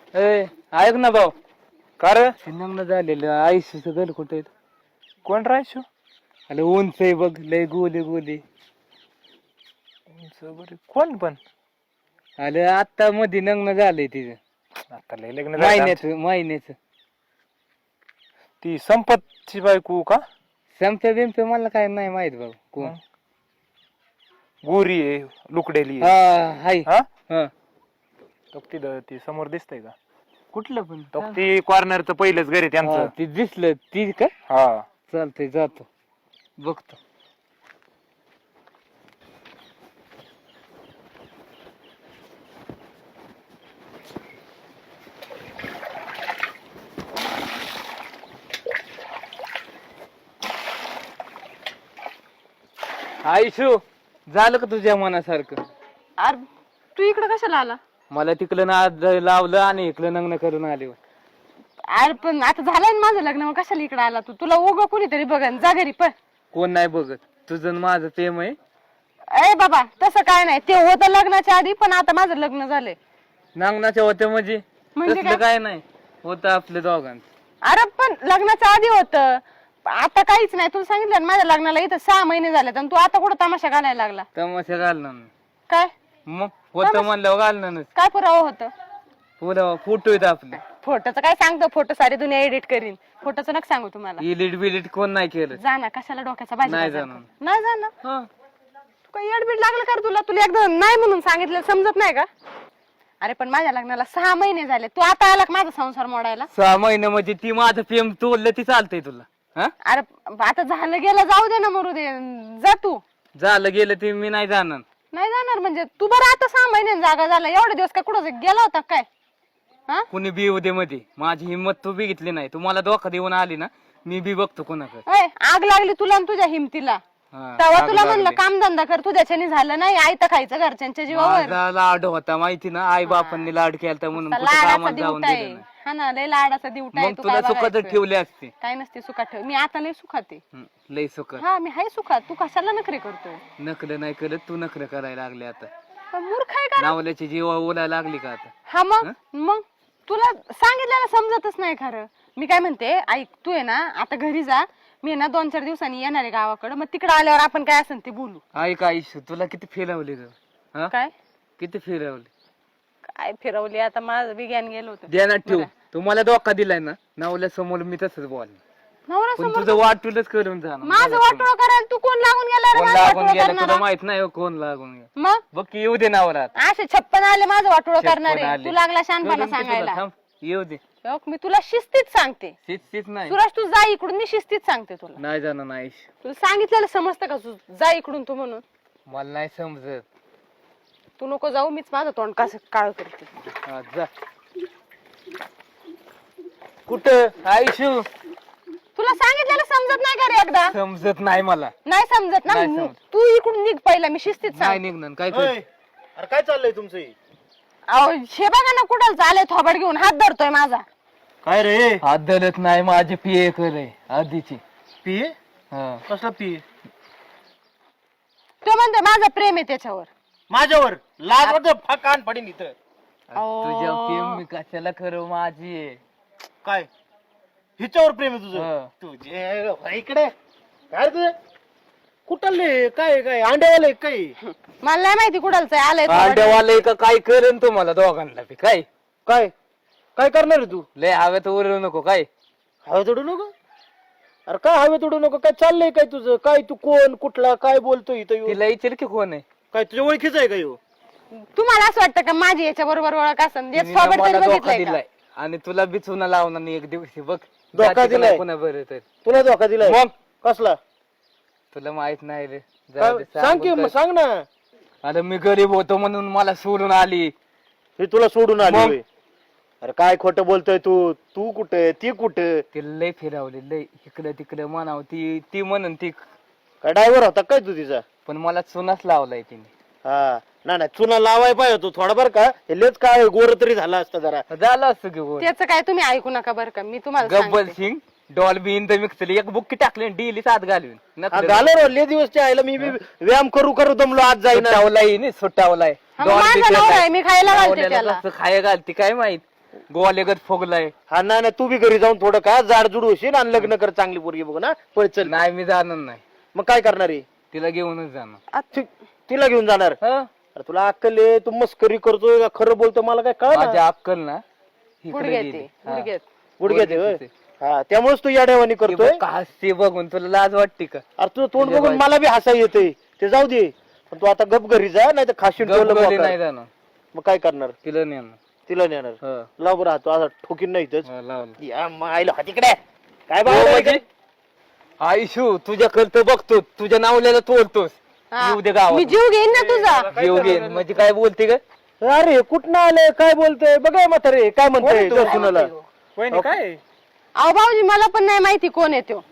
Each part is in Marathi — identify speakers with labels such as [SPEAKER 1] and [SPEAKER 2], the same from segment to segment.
[SPEAKER 1] ऐक ना भाऊ,
[SPEAKER 2] का रे?
[SPEAKER 1] लग्न झालेलं आयुष्याचं घर कुठे
[SPEAKER 2] कोण राहायचो?
[SPEAKER 1] अरे उंच आहे बघ, लय गोली गोली.
[SPEAKER 2] कोण पण?
[SPEAKER 1] अरे आता मध्ये लग्न झालंय तिचं,
[SPEAKER 2] आता लय लग्न झालं आमचं.
[SPEAKER 1] महिन्याचं.
[SPEAKER 2] ती संपतची बायको का?
[SPEAKER 1] संपत बिमप मला काय नाही माहित भाऊ कोण.
[SPEAKER 2] गोरी आहे, लुकडेली
[SPEAKER 1] हा
[SPEAKER 2] आहे.
[SPEAKER 1] हाय.
[SPEAKER 2] हा?
[SPEAKER 1] हा
[SPEAKER 2] तो ती समोर दिसतंय का?
[SPEAKER 1] कुठलं पण
[SPEAKER 2] तो ती कॉर्नरचं पहिलंच घर आहे
[SPEAKER 1] हा,
[SPEAKER 2] त्यांचं.
[SPEAKER 1] ती दिसलं ती का?
[SPEAKER 2] हा.
[SPEAKER 1] चालतंय जातो बघतो. आयुष्यू झालं का तुझ्या मनासारखं?
[SPEAKER 3] अरे तू इकडे कशाला आला?
[SPEAKER 1] मला तिकडं ना लावलं आणि इकडं लग्न करून आले.
[SPEAKER 3] अरे पण आता झालंय ना माझं लग्न, मग कशाला इकडे आला तू? तुला उगं कोणीतरी बघन, जा घरी पण.
[SPEAKER 1] कोण नाही बघत, तुझं आणि माझं प्रेम आहे.
[SPEAKER 3] ए बाबा तसं काय नाही, ते होतं लग्नाच्या आधी, पण आता माझं लग्न झालंय.
[SPEAKER 1] नांगणाच्या होत्या म्हणजे
[SPEAKER 3] म्हणजे
[SPEAKER 1] तसलं काय नाही होतं आपल्या दोघांचं.
[SPEAKER 3] अरे पण लग्नाच्या आधी होतं, आता काहीच नाही. तुला सांगितलं ना माझ्या लग्नाला इथं 6 महिने झाले, आणि तू आता कुठं तमाशा घालायला लागला?
[SPEAKER 1] तमाशा घालणार नाही.
[SPEAKER 3] काय
[SPEAKER 1] मग होतं म्हणल्यावर घालणार.
[SPEAKER 3] काय पुरावा होतं?
[SPEAKER 1] पुरा फोटो आहेत आपले.
[SPEAKER 3] फोटोचं काय सांगतो? फोटो सारी दुनिया एडिट करीन, फोटोचं नका सांगू तुम्हाला.
[SPEAKER 1] इलिट बिलिट कोण नाही केलं.
[SPEAKER 3] जा ना, कशाला डोक्याचा भाजी
[SPEAKER 1] नाही
[SPEAKER 3] बाजार
[SPEAKER 1] जाणार.
[SPEAKER 3] कर. नाही जाणार.
[SPEAKER 1] हा.
[SPEAKER 3] तू काही एडबीड लागलं का रे तुला? तुला एकदा नाही म्हणून सांगितलं समजत नाही का? अरे पण माझ्या लग्नाला 6 महिने झाले, तू आता आला का माझा संसार मोडायला?
[SPEAKER 1] 6 महिने म्हणजे ती माझं प्रेम तोडलं ती चालतंय तुला? हा
[SPEAKER 3] अरे आता झालं गेलं, जाऊ दे ना, मरू दे, जा तू.
[SPEAKER 1] झालं गेलं ते मी नाही जाणार.
[SPEAKER 3] नाही जाणार म्हणजे तू बरं आता 6 महिन्यांनी जागा झाला, एवढे दिवस काय कुठं गेला होता काय? हा
[SPEAKER 1] कुणी बी उद्या मध्ये माझी हिंमत तू बघितली नाही. तू मला धोका देऊन आली ना, मी बी बघतो कोणाकडे.
[SPEAKER 3] ओय, आग लागली तुला आणि तुझ्या हिमतीला.
[SPEAKER 1] हा,
[SPEAKER 3] तेव्हा
[SPEAKER 1] आग
[SPEAKER 3] तुला
[SPEAKER 1] लागली.
[SPEAKER 3] म्हणलं काम धंदा कर, तुझ्याच्याने झालं नाही, आयतं खायचं घरच्यांच्या जीवावर.
[SPEAKER 1] माझा लाड होता माहिती ना, आई बापांनी लाड केलता म्हणून कुठं
[SPEAKER 3] लाडाचा
[SPEAKER 1] कामाला जाऊन
[SPEAKER 3] दिवटा
[SPEAKER 1] दिलं
[SPEAKER 3] आहे.
[SPEAKER 1] नाही.
[SPEAKER 3] हा ना, लय लाडाचा दिवटा आहे.
[SPEAKER 1] मग
[SPEAKER 3] तू
[SPEAKER 1] तुला
[SPEAKER 3] काय
[SPEAKER 1] सुखात
[SPEAKER 3] बघायचं?
[SPEAKER 1] ठेवले असते.
[SPEAKER 3] काय नसते सुखात ठेव, मी आता लय सुखात आहे.
[SPEAKER 1] लय सुखात.
[SPEAKER 3] हा मी हाय सुखात, तू कशाला नखरे करतो?
[SPEAKER 1] नकलं नाही करत, तू नखरं करायला लागले आता.
[SPEAKER 3] पण मूर्ख आहे का?
[SPEAKER 1] नावल्याची जीवा ओलायला लागली का आता?
[SPEAKER 3] हा मग तुला सांगितलेलं समजतच नाही खरं. मी काय म्हणते, ऐक, तू आहे ना आता घरी जा, मी ना 2-4 दिवसांनी येणार आहे गावाकडे, मग तिकडे आल्यावर आपण काय असेल ते बोलू.
[SPEAKER 1] ऐक आयुष्य, तुला किती फिरवली ग? हा?
[SPEAKER 3] काय
[SPEAKER 1] किती फिरवली?
[SPEAKER 3] काय फिरवली आता, माझं विज्ञान गेलं होतं.
[SPEAKER 1] ध्यानात ठेव, तुम्हाला धोका दिलाय ना, नावल्या समोर मी तसंच बोल.
[SPEAKER 3] नवरा
[SPEAKER 1] पण
[SPEAKER 3] समोर
[SPEAKER 1] तुझं वाटूलच करून जाणार.
[SPEAKER 3] माझं वाटोळं करायला तू कोण लागून गेला रे?
[SPEAKER 1] कोण
[SPEAKER 3] माझं
[SPEAKER 1] लागून
[SPEAKER 3] वाटोळं
[SPEAKER 1] गेलं तुला
[SPEAKER 3] करणारा?
[SPEAKER 1] माहित नाही हो, कोण लागून गेलं.
[SPEAKER 3] मग
[SPEAKER 1] बघ की येऊ दे नावरात.
[SPEAKER 3] असे 56 आले माझं वाटोळं
[SPEAKER 1] 56
[SPEAKER 3] करणारे.
[SPEAKER 1] आले.
[SPEAKER 3] तू लागला शानपणा
[SPEAKER 1] येऊ दे की तुला,
[SPEAKER 3] सांगायला.
[SPEAKER 1] थांब, येऊ दे.
[SPEAKER 3] बघ, मी तुला शिस्तीत सांगते.
[SPEAKER 1] तीच नाही.
[SPEAKER 3] सुरज तू जा इकडून, मी शिस्तीत सांगते तुला.
[SPEAKER 1] नाही जाणार नाही.
[SPEAKER 3] तुला सांगितलेलं समजतं का? तू जा इकडून तू म्हणून.
[SPEAKER 1] मला नाही समजत.
[SPEAKER 3] तू नको जाऊ, मीच माझं तोंड कसं काळ करते.
[SPEAKER 1] हा, जा. कुठं आयुष्य?
[SPEAKER 3] तुला सांगितलेलं समजत नाही का रे एकदा?
[SPEAKER 1] समजत नाही मला.
[SPEAKER 3] नाही समजत ना,
[SPEAKER 1] नाही समजत.
[SPEAKER 3] तू इकडून निघ पहिला, मी शिस्तीत
[SPEAKER 1] नाही
[SPEAKER 3] सांग.
[SPEAKER 1] निघणार काय
[SPEAKER 4] अय,
[SPEAKER 1] कर.
[SPEAKER 4] अरे काय चाललंय तुमचं हे?
[SPEAKER 3] अहो हे बघा ना, कुठं चालय थोबड घेऊन, हात धरतोय माझा.
[SPEAKER 4] काय रे?
[SPEAKER 1] हात धरत नाही, माझी पिये करे आधीची.
[SPEAKER 4] पी?
[SPEAKER 1] हा.
[SPEAKER 4] कसला पी?
[SPEAKER 3] तो म्हणतोय माझं प्रेम आहे त्याच्यावर.
[SPEAKER 4] माझ्यावर लाज कान पडीन इथं.
[SPEAKER 1] तुझ्या प्रेम मी कशाला करू, माझी आहे.
[SPEAKER 4] काय हिच्यावर प्रेम आहे
[SPEAKER 1] हा.
[SPEAKER 4] तुझं? तुझे इकडे काय रे तुझे? कुठले काय काय अंड्यावाले काय?
[SPEAKER 3] मला नाही माहिती कुठलचं आहे, आलंय थोबाड.
[SPEAKER 1] अंड्यावाले का काय करेन तुम्हाला दोघांना बी काय?
[SPEAKER 4] काय काय करणार आहे तू?
[SPEAKER 1] लय हव्यात उरवू नको काय.
[SPEAKER 4] हवे तोडू नको. अरे काय हवे तोडू नको? काय चाललंय काय तुझं? काय तू कोण कुठला काय बोलतो इथं येऊन?
[SPEAKER 1] तिला विचार की कोण आहे.
[SPEAKER 4] काय तुझ्या ओळखीच आहे का ह्यो?
[SPEAKER 3] तुम्हाला असं वाटतं का माझी याच्या बरोबर ओळख असेल?
[SPEAKER 1] तिने
[SPEAKER 3] थोबड
[SPEAKER 1] मला
[SPEAKER 3] तरी
[SPEAKER 1] धोका
[SPEAKER 3] बघितलंय का?
[SPEAKER 1] दिलाय आणि तुला बी चुना लावणार नाही एक दिवशी बघ.
[SPEAKER 4] धोका
[SPEAKER 1] जाती
[SPEAKER 4] दिलाय?
[SPEAKER 1] कोणा बरं तर
[SPEAKER 4] तुला धोका दिलाय?
[SPEAKER 1] मग
[SPEAKER 4] कसला?
[SPEAKER 1] तुला माहित नाही रे.
[SPEAKER 4] काय-
[SPEAKER 1] जाऊ दे,
[SPEAKER 4] सांग की
[SPEAKER 1] सांगून
[SPEAKER 4] मग,
[SPEAKER 1] काय.
[SPEAKER 4] सांग ना.
[SPEAKER 1] अरे मी गरीब होतो म्हणून मला सोडून आली.
[SPEAKER 4] हे तुला सोडून आली
[SPEAKER 1] मग?
[SPEAKER 4] होय? अरे काय खोटं बोलतोय तू? तू कुठे ती कुठे?
[SPEAKER 1] तिला लय फिरवले, लय इकडं तिकडं म्हणाव. ती म्हणून ती,
[SPEAKER 4] काय ड्रायव्हर होता काय तू तिचा?
[SPEAKER 1] पण मला चुनाच लावलाय तिने.
[SPEAKER 4] हा नाही चुना लावाय पाहिजे होतो थोडा बर का. हे लेच काय गोर तरी झाला असता जरा.
[SPEAKER 1] झालं असतं की गोड.
[SPEAKER 3] त्याचं काय तुम्ही ऐकू नका बरं का, मी तुम्हाला
[SPEAKER 1] गब्बल
[SPEAKER 3] सांगते.
[SPEAKER 1] सिंग डॉल्बी इन द मिक्सर एक बुक्की टाकले डेली सात घालून
[SPEAKER 4] हा, झालं रे ले दिवसच्या आईला मी बी व्यायाम करू करू दमलो आज जाईना.
[SPEAKER 1] सुटावलाय नाही सुटावलाय.
[SPEAKER 3] हा, मग माझा नवरा आहे, मी खायला घालते त्याला.
[SPEAKER 1] खाया घालते काय माहित. गोवालेगत फोगलाय.
[SPEAKER 4] हा नाही तू बी घरी जाऊन थोडं का जाडजूड होशील आणि लग्न कर चांगली पोरगी बघ ना. पळ चल.
[SPEAKER 1] नाही मी जाणार नाही,
[SPEAKER 4] मग काय करणार आहे?
[SPEAKER 1] तिला घेऊनच जाणार.
[SPEAKER 4] तिला घेऊन जाणार?
[SPEAKER 1] हं?
[SPEAKER 4] अरे तुला अक्कल आहे? तू मस्करी करतोय का खरं बोलतोय मला काय कळ
[SPEAKER 1] माझी अक्कल ना
[SPEAKER 3] गुडघ्यात आहे, गुडघ्यात.
[SPEAKER 4] गुडघ्यात आहे होय? हा त्यामुळेच तू याड्यावानी करतोय.
[SPEAKER 1] ते बघून तुला लाज वाटते का?
[SPEAKER 4] अरे तुझं तोंड बघून मला बी हसा येते. ते जाऊ दे, पण तू आता गप घरी जा, नाही तर खाशील ठेवलं
[SPEAKER 1] गपगली
[SPEAKER 4] मोकार.
[SPEAKER 1] नाही जाणार,
[SPEAKER 4] मग काय करणार?
[SPEAKER 1] तिला नेणार.
[SPEAKER 4] तिला नेणार?
[SPEAKER 1] हं.
[SPEAKER 4] लाव बरं तू आता ठोकीन नाही इथंच.
[SPEAKER 1] लावलं.
[SPEAKER 4] या मायला हा तिकडे काय
[SPEAKER 1] हो
[SPEAKER 4] बाबा
[SPEAKER 1] म्हणजे? आयुष्यू तुझ्याकडे तर बघतो, तुझ्या नावल्याला तोडतोस.
[SPEAKER 3] हा.
[SPEAKER 1] येऊ दे गावात.
[SPEAKER 3] मी जीव घेईन ना तुझा.
[SPEAKER 1] येऊ घे म्हणजे काय बोलते का?
[SPEAKER 4] अरे कुठं आलंय काय बोलतोय बघा म्हातारे काय म्हणतोय तो सुनाला.
[SPEAKER 2] वहिनी काय
[SPEAKER 3] अहो भाऊजी मला पण नाही माहिती कोण आहे तो.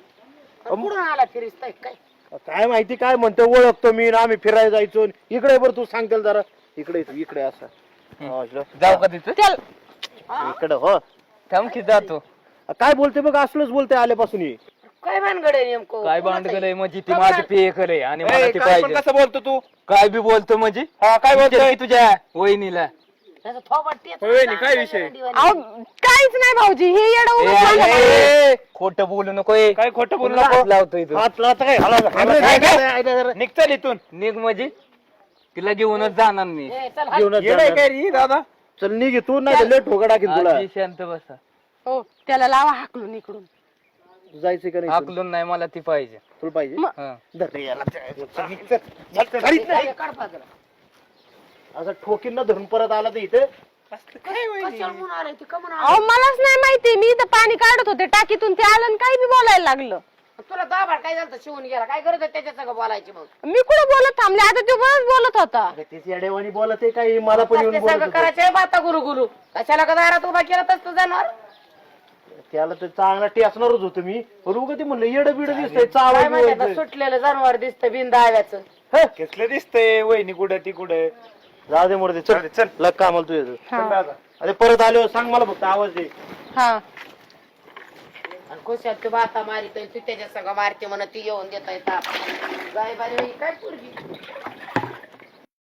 [SPEAKER 4] काय माहिती काय म्हणतोय, ओळखतो मी ना, आम्ही फिरायला जायचो. इकडे बरं तू सांगतेल जरा इकडे तू इकडे असा
[SPEAKER 1] जाऊ का तिथं?
[SPEAKER 4] इकडे हो.
[SPEAKER 1] थांब की जातो.
[SPEAKER 4] काय बोलते बघ, असलंच बोलते आल्यापासून ही.
[SPEAKER 5] काय भानगड आहे नेमकं?
[SPEAKER 1] काय भांडगलंय म्हणजे ती माझी पेय करे आणि मला ती पाहिजे.
[SPEAKER 2] कसं बोलतो तू?
[SPEAKER 1] काय बी बोलतो म्हणजे?
[SPEAKER 2] हा काय बोलतोय?
[SPEAKER 1] विचार की तुझ्या वहिनीला.
[SPEAKER 5] त्याचं थोबाड तेच
[SPEAKER 2] वहिनी काय विषय?
[SPEAKER 3] अहो काहीच नाही भाऊजी, हे येडं
[SPEAKER 1] खोटं बोलू नको ए.
[SPEAKER 2] काय खोटं बोलू
[SPEAKER 1] हात
[SPEAKER 2] नको.
[SPEAKER 1] लावतोय तू.
[SPEAKER 4] हात लावता काय?
[SPEAKER 2] निघचाल इथून.
[SPEAKER 1] निघ म्हणजे तिला घेऊनच जाणार मी.
[SPEAKER 5] ए, चल,
[SPEAKER 4] घेऊनच
[SPEAKER 2] येडय
[SPEAKER 4] जाणार.
[SPEAKER 2] काय रे दादा?
[SPEAKER 4] चल निघ तू, नाही तर लेट ठोका टाकीन तुला.
[SPEAKER 1] आजी शांत बसा.
[SPEAKER 3] हो त्याला लावा हाकलून इकडून.
[SPEAKER 4] जायचं का नाही?
[SPEAKER 1] हाकलून नाही, मला ती पाहिजे.
[SPEAKER 4] तुला पाहिजे?
[SPEAKER 1] हं.
[SPEAKER 4] धर रे याला. चल, निघ, चल. चल, चल, घरीच नाही.
[SPEAKER 5] काढ पाजरा.
[SPEAKER 4] असं ठोकीन ना धरून परत आला तर इथे.
[SPEAKER 5] कशाला म्हणून आले ते का म्हणून
[SPEAKER 3] अहो मलाच नाही माहिती, मी इथं पाणी काढत होते टाकीतून, ते आलं आणि काही बी बोलायला लागलं.
[SPEAKER 5] आले? तुला दाबाड काय झालं शिवून गेला काय गरज आहे त्याच्या संग बोलायची मग?
[SPEAKER 3] मी कुठं बोलत थांबले, आता तो बरंच बोलत होता.
[SPEAKER 4] अरे तेच येडेवाणी बोलत आहे काही, मला पण येऊन
[SPEAKER 5] ते
[SPEAKER 4] बोलत
[SPEAKER 5] सगळं
[SPEAKER 4] होतं.
[SPEAKER 5] करायचं बाता गुरु गुरु कशाला का दारात उभा केला तसं जाणार?
[SPEAKER 4] त्याला तर चांगला टेसणारच होतो मी, पण उगा ते म्हणलं येड बिड दिसतंय
[SPEAKER 5] काय
[SPEAKER 4] चावायचं
[SPEAKER 5] माहिती आता
[SPEAKER 4] बिवायचं.
[SPEAKER 5] सुटलेलं जनावर दिसतं बिनदाव्याचं.
[SPEAKER 2] कसलं दिसतंय वहिनी कुठं ती कुठं?
[SPEAKER 4] जाऊ दे मोरते, चल चल लग कामाला तुझ्या.
[SPEAKER 3] हा.
[SPEAKER 4] अरे परत आलो सांग मला फक्त आवाज दे.
[SPEAKER 3] हा
[SPEAKER 5] आणि खुशाल तू बाता मारित तू त्याच्या संग मारते म्हणत ती येऊन देत ताप. जाय बारी काय पोरगी